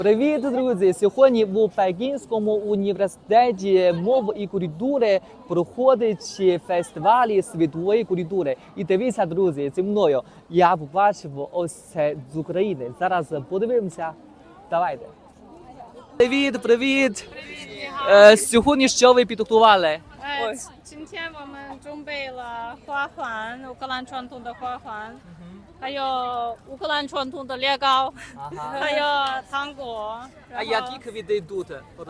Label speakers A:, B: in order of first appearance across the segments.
A: Привіт, друзі! Сьогодні в Пекінському університеті мови і культури проходить фестиваль світової культури. І дивіться, друзі, зі мною я побачив ось це з України. Зараз подивимося. Давайте. Привіт! Сьогодні що ви підготували?
B: 今天我们准备了花环，乌克兰传统的花环，还有乌克兰传统的猎糕，还有糖果。
A: А які квіти тут?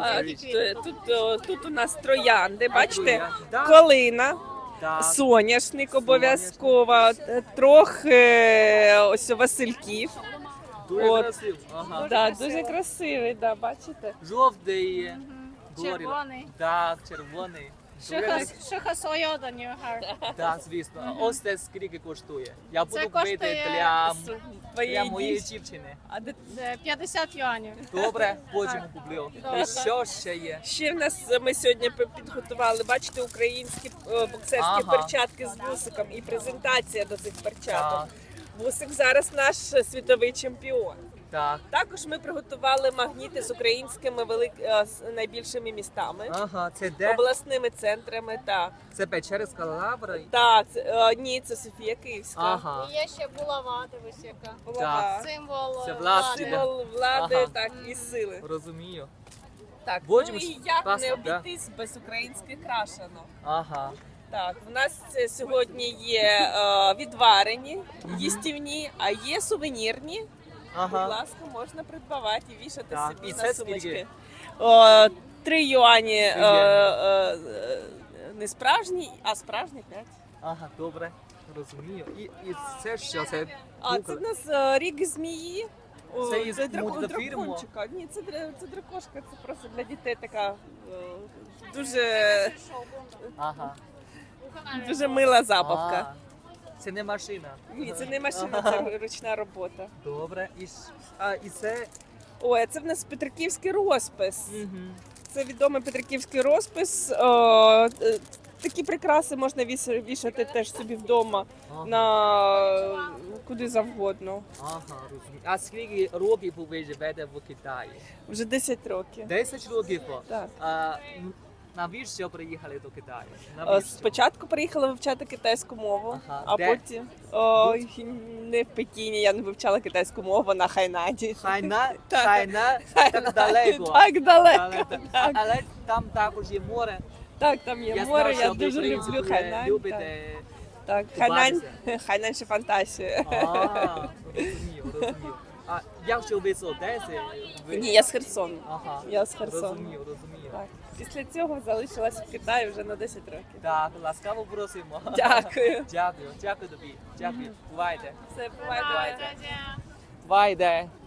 C: Тут у нас троянди, бачите,
A: троянди, да.
C: калина,
A: Так.
C: соняшник обов'язково, трохи ось васильків.
A: Дуже
C: От.
A: красиво. Ага.
C: Да, дуже красивий, да, бачите.
A: Жовтий. говорила.
B: Червоний.
A: Так, червоний.
B: 适合所有的女孩。
A: Так, звісно. Ось це скільки коштує. Я буду
B: Це
A: купити
B: коштує
A: для
C: Твоєї
A: моєї
C: дівчини.
A: дівчини.
C: А де-
B: 50 юанів.
A: Добре, потім куплю. І що ще є?
C: Ще в нас ми сьогодні підготували, бачите, українські боксерські
A: Ага.
C: перчатки з вусиком і презентація до цих перчаток.
A: Так,
C: Вусик зараз наш світовий чемпіон.
A: так.
C: Також ми приготували магніти з українськими з найбільшими містами,
A: Ага, це де?
C: обласними центрами.
A: Це Печерська лавра?
C: Так, ні, це Софія Київська.
A: Ага.
B: Є ще булава, дивись яка.
C: Булава.
B: Символ
A: Це
B: влади.
C: Символ влади,
A: Ага.
C: так, і сили.
A: Розумію.
C: Так,
A: Потім
C: ну
A: ж
C: і як
A: класно,
C: не
A: да?
C: обійтись без українських крашанок.
A: Ага.
C: Так, в нас сьогодні є відварені, їстівні, а є сувенірні. Будь
A: Ага.
C: ласка, можна придбавати і вішати
A: Так,
C: собі
A: і
C: на
A: це
C: сумочки.
A: скільки?
C: 3 юані
A: 3 юані.
C: не справжні, а справжні 5.
A: Ага, добре. Розумію. І це що? Це
C: А
A: кукла?
C: це в нас ріг змії.
A: Це із мультфільму?
C: дракончика. Ні, це дракошка, це просто для дітей така дуже,
A: Ага.
C: дуже мила забавка.
A: А, це не машина.
C: Ні, це не машина,
A: Ага.
C: це ручна робота.
A: Добре. І це...
C: Ой, а це в нас петриківський розпис.
A: Мгм.
C: Це відомий петриківський розпис. Такі прикраси можна вішати теж собі вдома
A: Ага.
C: на куди завгодно.
A: Ага, розумію. А скільки років ви живете в Китаї?
C: Вже 10 років.
A: 10 років.
C: Так.
A: Навіщо приїхали до Китаю? Навіщо?
C: Спочатку приїхала вивчати китайську мову,
A: Ага.
C: а
A: Де?
C: потім не в Пекіні, я не вивчала китайську мову на Хайнані.
A: Хайна?
C: Так.
A: Хайна? Так далеко.
C: Так далеко.
A: Але- Але там також є море.
C: Так, там є
A: Я
C: море,
A: знав,
C: я
A: що ви,
C: дуже
A: в принципі,
C: люблю Хайнань.
A: любите.
C: Так,
A: купатися.
C: Хайнань ще фантазія.
A: Розумію. А якщо ви з Одеси, ви...
C: Ні, я з Херсону.
A: Ага.
C: Я з Херсону.
A: Розумію.
C: Так. Після цього залишилась в Китаї вже на 10 років.
A: Так, ласкаво просимо.
C: Дякую.
A: Дякую тобі. Дякую. Бувайте.
C: Все, бувайте.
A: Бувайте.